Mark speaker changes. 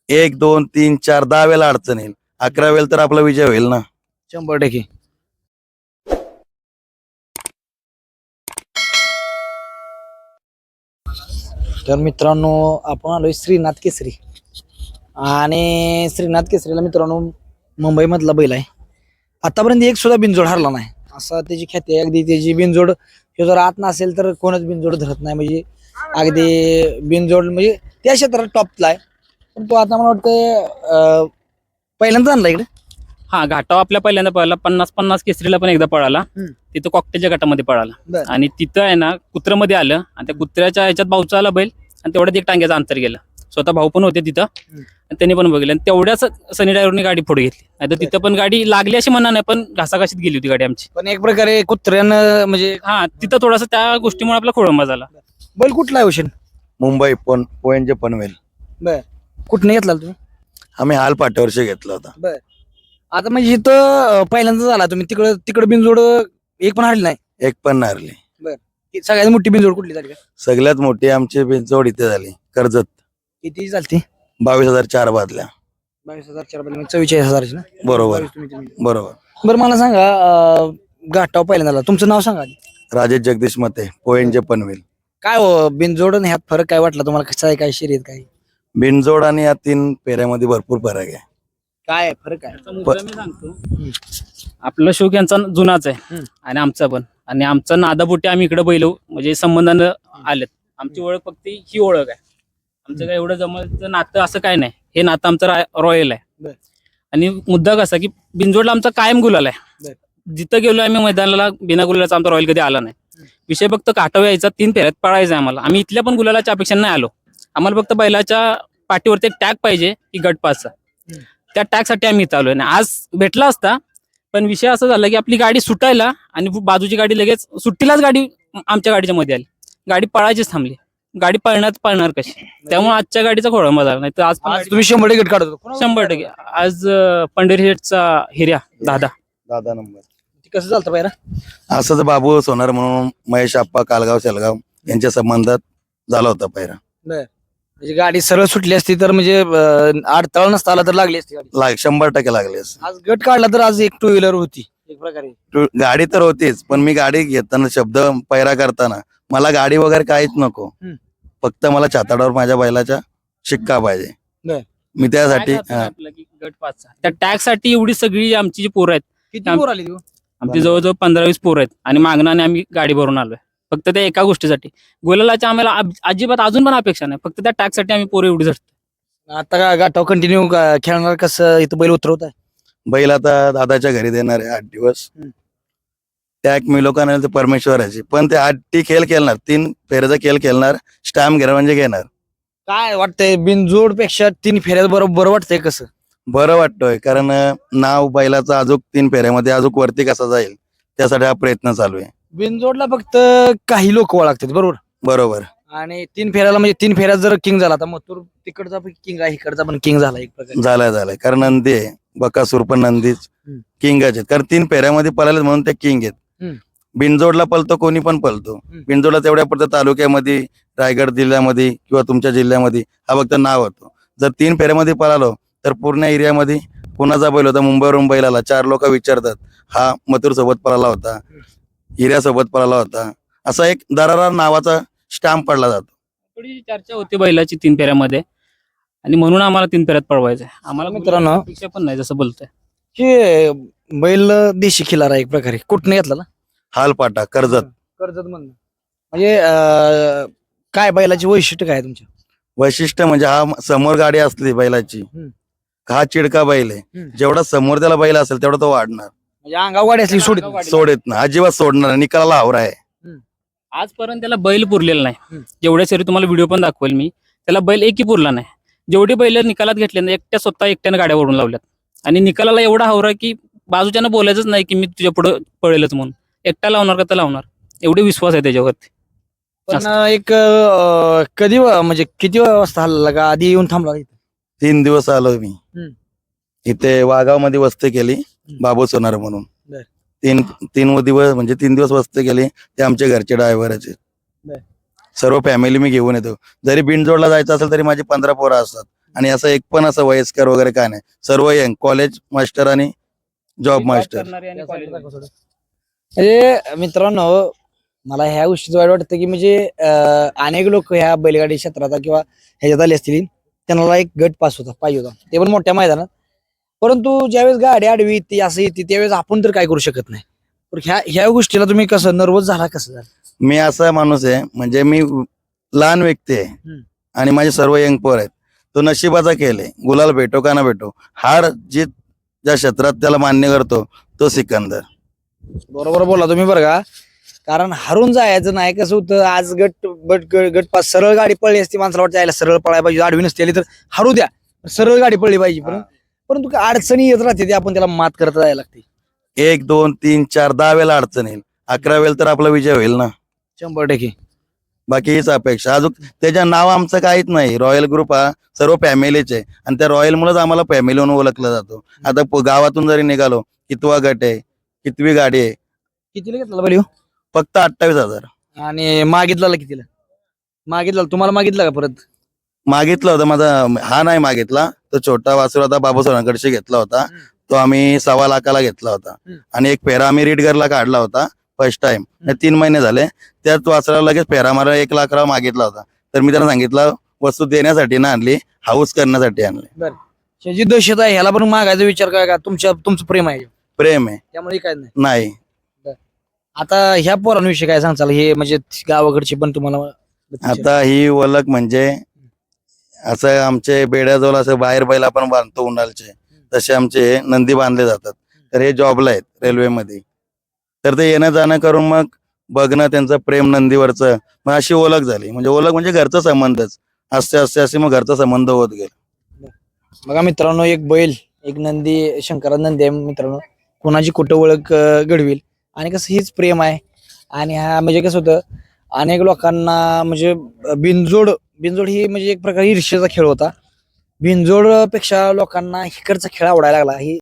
Speaker 1: 1 2 3 4 10 वेळेला अडचण येईल, 11 वेळेला तर आपला विजय होईल ना.
Speaker 2: 100%. तर मित्रांनो आपण आलोय श्रीनाथ केसरी आणि श्रीनाथ केसरीला मित्रांनो मुंबईमधला बैल आहे. आतापर्यंत एक सुद्धा बिनजोड हरला नाही असा त्याची ख्याती आहे. अगदी त्याची बिनजोड हे जर आत नसेल तर कोणच बिनजोड धरत नाही. म्हणजे अगदी बिनजोड म्हणजे त्या क्षेत्रात टॉपला आहे. पण तो आता मला वाटतं पहिल्यांदा आणला इकडे.
Speaker 3: हा घाटाव आपल्या पहिल्यांदा पळाला 50-50 केसरीला पण एकदा पळाला. तिथं कॉकटेलच्या गटामध्ये पळाला
Speaker 2: बरं.
Speaker 3: आणि तिथं आहे ना कुत्र्यामध्ये आलं आणि त्या कुत्र्याच्या ह्याच्यात भाऊचा आला बैल आणि तेवढ्यात एक टांग्याचं अंतर गेलं. स्वतः भाऊ पण होते तिथं आणि त्यांनी पण बघितलं आणि तेवढ्याच सनी ड्रायव्हरने गाडी पुढे घेतली. नाही तर तिथं पण गाडी लागली अशी म्हणा नाही, पण घासाघाशीत गेली होती गाडी आमची.
Speaker 2: पण एक प्रकारे कुत्र्यानं म्हणजे
Speaker 3: हा तिथं थोडासा त्या गोष्टीमुळे आपला खोळंबा झाला.
Speaker 2: बैल कुठला आहे हुसेन?
Speaker 1: मुंबई पोयंजे पनवेल.
Speaker 2: बर कुठनं घेतला तुम्ही?
Speaker 1: आम्ही हाल पाट्यावरशी घेतला होता.
Speaker 2: बर आता म्हणजे इथं पहिल्यांदा झाला तुम्ही तिकडे बिनजोड एक पण हरली नाही.
Speaker 1: एक पण नारली.
Speaker 2: सगळ्यात मोठी बिनजोड कुठली झाली का?
Speaker 1: सगळ्यात मोठी आमची बिनजोड इथे झाली कर्जत.
Speaker 2: किती झाली?
Speaker 1: 22,004 बादल्या.
Speaker 2: 22,004 म्हणजे 44,000 ना.
Speaker 1: बरोबर
Speaker 2: 22 तुम्ही दिली.
Speaker 1: बरोबर.
Speaker 2: बरं मला सांगा घाटाव पहिल्यांदा आला. तुमचं नाव सांगा आधी.
Speaker 1: राजेश जगदीश मते पोयंजे पनवेल.
Speaker 2: काय हो बिनजोड आणि ह्यात फरक काय वाटला तुम्हाला? कसं आहे काय शर्यत काय
Speaker 1: बिनजोड आणि या 3 फेऱ्यामध्ये भरपूर फरक आहे.
Speaker 2: काय फरक आहे?
Speaker 3: त्याचा मुद्दा मी सांगतो. आपलं शोक यांचा जुनाच आहे आणि आमचा पण. आणि आमचा नादापोटी आम्ही इकडे बैल म्हणजे संबंधानं आलेत. आमची ओळख फक्त ही ओळख आहे. आमचं काय एवढं जमलं नातं असं काय नाही. हे नातं आमचं रॉयल आहे.
Speaker 2: बरं.
Speaker 3: आणि मुद्दा कसा की बिनजोडला आमचा कायम गुलाल आहे.
Speaker 2: बरं.
Speaker 3: जिथं गेलो आम्ही मैदानाला बिना गुलालाचा आमचा रॉयल कधी आला नाही. विषय फक्त काटाव यायचा 3 फेऱ्यात पळायचा आम्हाला. आम्ही इथल्या पण गुलालाच्या अपेक्षा नाही आलो. आम्हाला फक्त बैलाच्या पाठीवरती एक टॅग पाहिजे की गट पासचा. त्या टॅगसाठी आम्ही इथं आलोय. आज भेटला असता पण विषय असा झाला की आपली गाडी सुटायला आणि बाजूची गाडी लगेच सुट्टीलाच गाडी आमच्या गाडीच्या मध्ये आली. गाडी पळायचीच थांबली. गाडी पळणार कशी? त्यामुळे आजच्या गाडीचा खोळंबा झाला. नाही तर आज
Speaker 2: आज तुम्ही 100% गट काढत होता.
Speaker 3: 100%. आज पंढरी हेडचा हिर्या दादा
Speaker 1: नंबर.
Speaker 2: कसं चालतं पायरा?
Speaker 1: असंच बाबू सोनार म्हणून महेश आप्पा कालगाव शेलगाव यांच्या संबंधात झाला होता पहिला.
Speaker 2: म्हणजे गाडी सरळ सुटली असती तर म्हणजे अडथळा नसता आला तर लागली असती गाडी.
Speaker 1: 100% लागले असते.
Speaker 2: आज गट काढला तर आज एक 2 व्हीलर होती एक प्रकारे.
Speaker 1: गाडी तर होतीच पण मी गाडी घेताना शब्द पैरा करताना मला गाडी वगैरे काहीच नको. फक्त मला छाताडावर माझ्या बैलाचा शिक्का पाहिजे.
Speaker 2: बरं.
Speaker 1: मी त्यासाठी
Speaker 3: आपला की गट पाचचा त्या टॅग साठी एवढी सगळी आमची जी पोरं आहेत
Speaker 2: किती पोर आली तू?
Speaker 3: आमची जवळजवळ 15-20 पोरं आहेत आणि मागणाने आम्ही गाडी भरून आलोय फक्त त्या एका गोष्टीसाठी. गुलालाच्या आम्हाला अजिबात अजून पण अपेक्षा नाही. फक्त त्या टॅग साठी आम्ही पोरं एवढी झटतो.
Speaker 2: आता का गाठाव कंटिन्यू खेळणार कसं इथं बैल उतरवत आहे?
Speaker 1: बैल आता दादाच्या घरी देणार आहे 8 दिवस. टॅग मी लोकांना ते परमेश्वराची पण ते 8 खेळ खेळणार 3 फेऱ्याचा खेळ खेळणार स्टॅम्प घेणार म्हणजे घेणार.
Speaker 2: काय वाटतंय बिनजोड पेक्षा 3 फेऱ्यात बरोबर वाटतंय कसं?
Speaker 1: बरं वाटतोय कारण नाव बैलाचा अजून 3 फेऱ्यामध्ये अजून वरती कसा जाईल त्यासाठी हा प्रयत्न चालू आहे.
Speaker 2: बिनजोडला फक्त काही लोक लागतात बरोबर.
Speaker 1: बरोबर.
Speaker 2: आणि 3 फेऱ्याला म्हणजे 3 फेऱ्यात जर किंग झाला तर मथुर तिकडचा पण किंग आहे इकडचा पण किंग झाला एक प्रकारे.
Speaker 1: झालाय कारण नंदी आहे बकासूर पण नंदीच किंगाचे आहेत. कारण 3 फेऱ्यामध्ये पळाले म्हणून ते किंग आहेत. बिनजोडला पळतो कोणी पण पळतो. बिनजोडला तेवढ्या पुरतं तालुक्यामध्ये रायगड जिल्ह्यामध्ये किंवा तुमच्या जिल्ह्यामध्ये हा फक्त नाव होतो. जर 3 फेऱ्यामध्ये पळालो तर पूर्ण एरियामध्ये कुणाचा बैल होता मुंबईवरून बैल आला 4 लोक विचारतात हा मथुर सोबत पळाला होता हिऱ्यासोबत पळाला होता असा एक दरारा नावाचा स्टॅम्प पडला जातो.
Speaker 3: थोडी चर्चा होती बैलाची 3 फेऱ्यामध्ये आणि म्हणून आम्हाला 3 फेऱ्यात पळवायचं आहे. आम्हाला
Speaker 2: मित्रांनो
Speaker 3: अपेक्षा पण नाही जसं बोलतोय.
Speaker 2: हे बैल देशी खिलारा एक प्रकारे कुठने घेतला ना?
Speaker 1: हालपाटा कर्जत.
Speaker 2: कर्जत म्हणून म्हणजे काय बैलाची वैशिष्ट्य काय तुमच्या?
Speaker 1: वैशिष्ट्य म्हणजे हा समोर गाडी असली बैलाची हा चिडका बैल आहे. जेवढा समोर त्याला बैल असेल तेवढा तो वाढणार.
Speaker 2: म्हणजे अंगाव गाडी असली
Speaker 1: सोडत ना अजिबात सोडणार निकालाला हावरा आहे.
Speaker 3: आजपर्यंत त्याला बैल पुरलेला नाही. जेवढ्या सरी तुम्हाला व्हिडिओ पण दाखवेल मी त्याला बैल एकही पुरला नाही. जेवढी बैल निकालात घेतले ना स्वतः एकट्याने गाड्या ओढून लावल्यात आणि निकालाला एवढा हावरा की बाजूच्यानं बोलायचंच नाही की मी तुझ्या पुढे पळेलच म्हणून. एकटा लावणार का तर लावणार एवढे विश्वास आहे त्याच्यावरती.
Speaker 2: पण एक कधी म्हणजे किती वाजता हल्ला का आधी येऊन थांबला?
Speaker 1: 3 दिवस आलो मी इथे वाघाव मध्ये वस्ती केली बाबू सोनार म्हणून. 3 दिवस म्हणजे 3 दिवस वस्ती केली. ते आमच्या घरचे ड्रायव्हरचे सर्व फॅमिली मी घेऊन येतो. जरी बिनजोडला जायचं असेल तरी माझी 15 पोरं असतात आणि असं एक पण असं वयस्कर वगैरे काय नाही, सर्व यंग कॉलेज मास्टर आणि जॉब मास्टर.
Speaker 2: म्हणजे मित्रांनो मला ह्या गोष्टीचं वाईट वाटतं की म्हणजे अनेक लोक ह्या बैलगाडी क्षेत्रात किंवा ह्याच्यात आले असतील, त्यांना एक गट पास होता पाहिजे होता, ते पण मोठ्या मैदानात. परंतु ज्यावेळेस गाडी आडवी येते असं येते त्यावेळेस आपण तर काय करू शकत नाही. तर ह्या गोष्टीला तुम्ही कसं नर्वस झाला, कसं झालं?
Speaker 1: मी असा माणूस आहे, म्हणजे मी लहान व्यक्ती आहे आणि माझे सर्व यंग पोर आहेत. तो नशिबाचा खेळ आहे, गुलाल भेटो का ना भेटो, हार जीत ज्या क्षेत्रात त्याला मान्य करतो तो सिकंदर.
Speaker 2: बरोबर बोला तुम्ही बरं का. कारण हरून जायचं नाही. कसं होतं आज गट पास सरळ गाडी पळली असती, माणसाला वाटतं यायला सरळ पळायला पाहिजे, आडवी नसती आली तर हरू द्या, सरळ गाडी पळली पाहिजे. परंतु काय अडचणी येत राहते ते आपण त्याला मात करत जायला लागते.
Speaker 1: 1 2 3 4 10 वेळेला अडचण येईल, 11 वेळेला तर आपला विजय होईल ना.
Speaker 2: 100%.
Speaker 1: बाकी हीच अपेक्षा. अजून त्याच्या नाव आमचं काहीच नाही. रॉयल ग्रुप हा सर्व फॅमिलीचे आणि त्या रॉयल मुळेच आम्हाला फॅमिली म्हणून ओळखलं जातो. आता गावातून जरी निघालो, कितवा गट आहे, कितवी गाडी आहे,
Speaker 2: कितीला घेतला बैल ह्यो?
Speaker 1: फक्त 28,000
Speaker 2: आणि मागितला कितीला? मागितला तुम्हाला मागितला का परत?
Speaker 1: मागितलं होतं. माझा हा नाही मागितला, तो छोटा वासुर होता बाबासाहेबांकडशी घेतला होता, तो आम्ही 1.25 लाखाला घेतला होता. आणि एक फेरा आम्ही रीडगरला काढला होता फर्स्ट टाइम. 3 महिने झाले, त्याच वासराला लगेच फेरा मला 1 लाखाला मागितला होता. तर मी त्यांना सांगितलं वस्तू देण्यासाठी ना आणली, हाऊस करण्यासाठी आणली.
Speaker 2: जी दहशत आहे ह्याला पण मागायचा विचार काय का तुमचं प्रेम आहे
Speaker 1: प्रेम आहे
Speaker 2: त्यामुळे काय नाही.
Speaker 1: नाही.
Speaker 2: आता ह्या पोरांविषयी काय सांगचाल, हे म्हणजे गावाकडची पण तुम्हाला?
Speaker 1: आता ही ओळख म्हणजे असं आमचे बेड्याजवळ असं बाहेर बैल आपण बांधतो उन्हाळचे, तसे आमचे नंदी बांधले जातात. तर हे जॉबला आहेत रेल्वेमध्ये, तर ते येणं जाणं करून मग बघणं त्यांचं प्रेम नंदीवरचं, मग अशी ओळख झाली. म्हणजे ओळख म्हणजे घरचा संबंधच, असे मग घरचा संबंध होत गेला.
Speaker 2: बघा मित्रांनो, एक बैल एक नंदी, शंकरा नंदी आहे मित्रांनो, कोणाची कुठं ओळख घडविल. आणि कसं हीच प्रेम आहे. आणि हा म्हणजे कसं होतं, अनेक लोकांना म्हणजे बिनजोड ही म्हणजे एक प्रकारे ईर्ष्येचा खेळ होता. बिनजोड पेक्षा लोकांना इकडचा खेळ आवडायला लागला. ही